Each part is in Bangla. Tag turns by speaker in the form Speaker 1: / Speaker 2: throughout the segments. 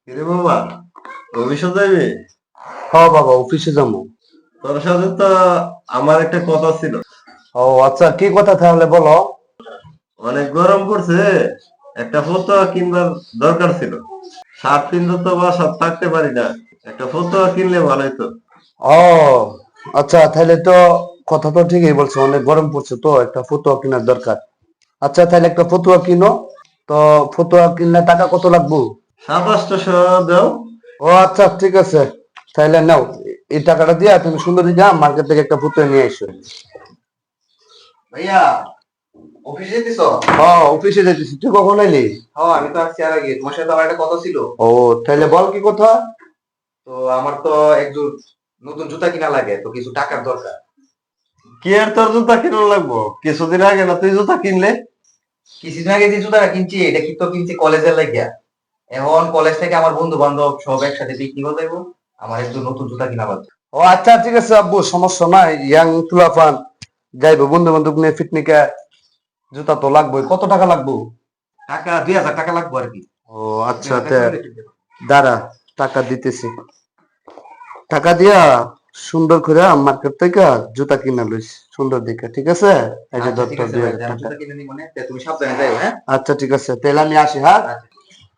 Speaker 1: কিরে বাবা, অফিসে যাবি?
Speaker 2: হ্যাঁ বাবা, অফিসে যাবো।
Speaker 1: তোর সাথে তো আমার একটা কথা ছিল।
Speaker 2: ও আচ্ছা, কি কথা তাহলে বলো।
Speaker 1: অনেক গরম পড়ছে, একটা ফতুয়া কিনবার দরকার ছিল। শার্ট কিনতে তো বাসা থাকতে পারি না, একটা ফতুয়া কিনলে ভালো হতো।
Speaker 2: ও আচ্ছা, তাহলে তো কথা তো ঠিকই বলছো, অনেক গরম পড়ছে তো একটা ফতুয়া কেনার দরকার। আচ্ছা তাহলে একটা ফতুয়া কিনো। তো ফতুয়া কিনলে টাকা কত লাগবে?
Speaker 1: 2700 দাও।
Speaker 2: ও আচ্ছা ঠিক আছে, তাহলে নাও। এই টাকাটা দিয়া তুমি সুন্দর যা মার্কেট থেকে একটা ফতুয়া নিয়ে এসো।
Speaker 3: ভাইয়া, অফিসে যেতেছ?
Speaker 2: হ্যাঁ অফিসে যাইতেছি, তুই কখন এলি?
Speaker 3: হ্যাঁ, আমি তো আসছি আর আগে। তোমার সাথে আমার একটা কথা ছিল।
Speaker 2: ও তাহলে বল কি কথা।
Speaker 3: তো আমার তো একজোড় নতুন জুতা কিনা লাগে, তো কিছু টাকার দরকার।
Speaker 1: কি আর তোর জুতা কিনা লাগবো? কিছুদিন আগে না তুই জুতা কিনলে?
Speaker 3: কিছুদিন আগে যে জুতাটা কিনছি, এটা কি তো কিনছি কলেজের লাগিয়া। এখন কলেজ থেকে আমার বন্ধু বান্ধব সব একসাথে পিকনিক যাইবো, আমার একটু নতুন জুতা কিনা লাগবে।
Speaker 2: ও আচ্ছা ঠিক আছে আব্বু, সমস্যা নাই। ইয়াং তুলাফান যাইবো বন্ধু বান্ধব নিয়ে পিকনিকে, জুতা তো লাগবে। কত টাকা লাগবে?
Speaker 3: টাকা 2000 টাকা লাগবে আর কি।
Speaker 2: ও আচ্ছা, দাঁড়া, টাকা দিতেছি। টাকা দিয়া সুন্দর করে মার্কেট থেকে জুতা কিনা লইস সুন্দর দেখে, ঠিক আছে? এই যে
Speaker 3: আচ্ছা
Speaker 2: ধর
Speaker 3: ঠিক
Speaker 2: তোর
Speaker 3: আছে ভাই,
Speaker 2: 2000
Speaker 3: আমি
Speaker 2: টাকা।
Speaker 3: জুতা কিনে নিই, মানে তুমি সাবধানে যাও, হ্যাঁ?
Speaker 2: আচ্ছা ঠিক আছে, তাহলে আমি আসি, হ্যাঁ।
Speaker 3: আচ্ছা।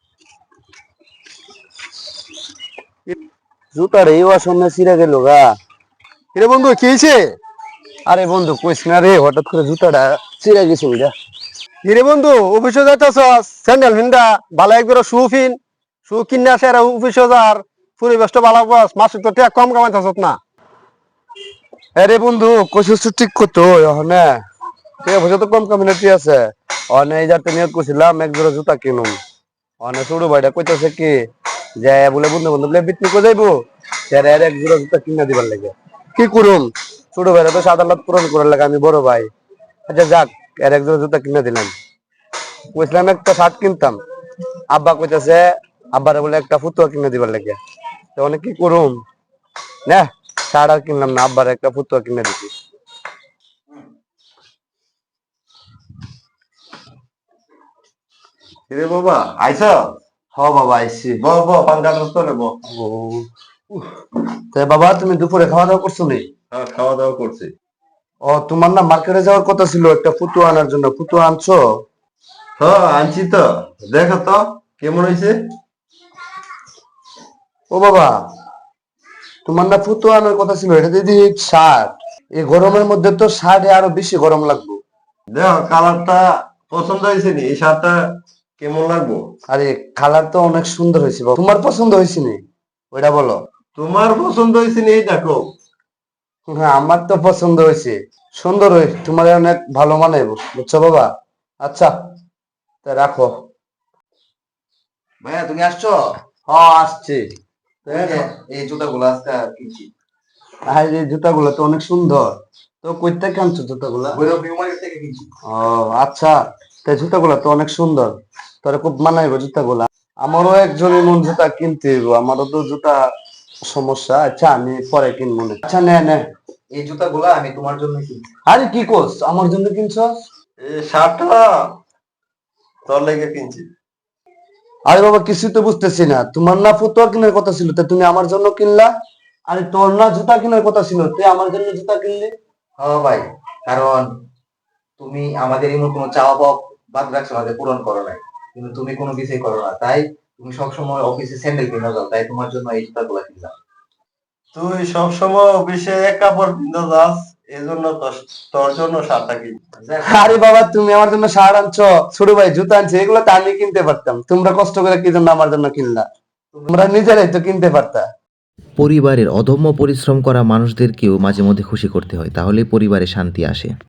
Speaker 2: জুতার এই আসনে ছিঁড়ে গেল গা।
Speaker 4: রে বন্ধু, কি হয়েছে?
Speaker 2: আরে বন্ধু কইস না রে, হঠাৎ করে জুতাটা ছিঁড়ে গেছে ওইটা।
Speaker 4: রে বন্ধু, অফিসে যাইতেছ, স্যান্ডেল ফিনটা ভালো একবার শু ফিন, শু কিনে আসে আর অফিসে যার পরিবেশটা ভালো পাস, মাসে তো টাকা কম কামাইতেছ না।
Speaker 2: আরে বন্ধু কইছিস তো ঠিক করতো ওখানে, ঠিক আছে তো কম কমিউনিটি আছে। অনে এই যাতে নিয়োগ করছিলাম এক জোড়া জুতা কিনুম। অনে ছোট ভাইটা কইতাছে কি যে বলে বন্ধু বন্ধু বলে পিকনিক যাইবো, এর এক জোড়া জুতা কিনা দিবার লাগে। কি করুম, ছোট ভাইরা তো সাদালত পূরণ করার লাগে, আমি বড় ভাই। আচ্ছা যাক, এর এক জোড়া জুতা কিনা দিলাম। কইছিলাম একটা শার্ট কিনতাম, আব্বা কইতাছে আব্বারে বলে একটা ফুতুয়া কিনে দিবার লাগে। তো অনেক কি করুম না, শার্ট আর কিনলাম না, আব্বার একটা ফুতুয়া কিনে দিছি।
Speaker 1: কিরে বাবা, আইস?
Speaker 2: হ বাবা আইছি।
Speaker 1: ব ব পাঙ্খা তোলে ব।
Speaker 2: ও তাই বাবা, তুমি দুপুরে খাওয়া দাওয়া করছো নি?
Speaker 1: হ্যাঁ, খাওয়া দাওয়া করছি।
Speaker 2: ও তোমার না মার্কেটে যাওয়ার কথা ছিল একটা ফুতুয়া আনার জন্য, ফুতুয়া আনছো?
Speaker 1: হ্যাঁ আনছি তো, দেখো তো কেমন হয়েছে।
Speaker 2: ও বাবা, তোমার না ফুতুয়া আনার কথা ছিল, এটা দিদি শার্ট। এই গরমের মধ্যে তো শার্টে আরো বেশি গরম লাগবে।
Speaker 1: দেখো কালারটা পছন্দ হয়েছে নি? এই শার্টটা কেমন লাগবো?
Speaker 2: আরে কালার তো অনেক সুন্দর হয়েছে বাবা, তোমার পছন্দ হয়েছে নি ওইটা বলো।
Speaker 1: তোমার পছন্দ হয়েছে নি এই দেখো।
Speaker 2: হ্যাঁ আমার তো পছন্দ হয়েছে, সুন্দর হয়েছে, তোমার অনেক ভালো মানায় বুঝছো বাবা। আচ্ছা তা রাখো।
Speaker 3: ভাইয়া, তুমি আসছো?
Speaker 2: হ্যাঁ আসছে।
Speaker 3: এই যে এই জুতাগুলো আজকে কিনছি।
Speaker 2: আর এই জুতাগুলো তো অনেক সুন্দর। তো কই থেকে আনছো জুতাগুলা?
Speaker 3: ভৈরব নিউ মার্কেট থেকে কিনছি।
Speaker 2: ও আচ্ছা, তাই জুতাগুলা তো অনেক সুন্দর, তোরা খুব মানাইবো জুতাগুলা। আমারও একজন এমন জুতা কিনতে হইব, আমারও তো জুতা সমস্যা। আচ্ছা আমি পরে কিনবো না। আচ্ছা নে নে।
Speaker 3: এই জুতাগুলো আমি তোমার জন্য কিনছি।
Speaker 2: আরে কি কোস, আমার জন্য কিনছস?
Speaker 1: এই শার্টটা তোর লেগে কিনছি।
Speaker 2: আরে বাবা কিছুই তো বুঝতেছি না, তোমার না ফুতুয়া কেনার কথা ছিল, তা তুমি আমার জন্য কিনলা? আরে তোর না জুতা কেনার কথা ছিল, তুই আমার জন্য জুতা কিনলি?
Speaker 3: হ্যাঁ ভাই, কারণ তুমি আমাদের এমন কোনো চাওয়া পাওয়া বাদ রাখছো না যে পূরণ করো নাই, কিন্তু তুমি কোনো কিছুই করো না, তাই তুমি সবসময় অফিসে স্যান্ডেল কিনে যাও, তাই তোমার জন্য এই জুতাগুলো কিনলাম।
Speaker 1: তুই সবসময় অফিসে এক কাপড় কিনতে যাস, এজন্য তোর জন্য শার্টটা কিনছি।
Speaker 2: আরে বাবা তুমি আমার জন্য শার্ট আনছো, ছোট ভাই জুতা আনছে, এগুলো তো আমি কিনতে পারতাম, তোমরা কষ্ট করে কি জন্য আমার জন্য কিনলা? তোমরা নিজেরাই তো কিনতে পারতা।
Speaker 5: পরিবারের অদম্য পরিশ্রম করা মানুষদেরকেও মাঝে মধ্যে খুশি করতে হয়, তাহলেই পরিবারে শান্তি আসে।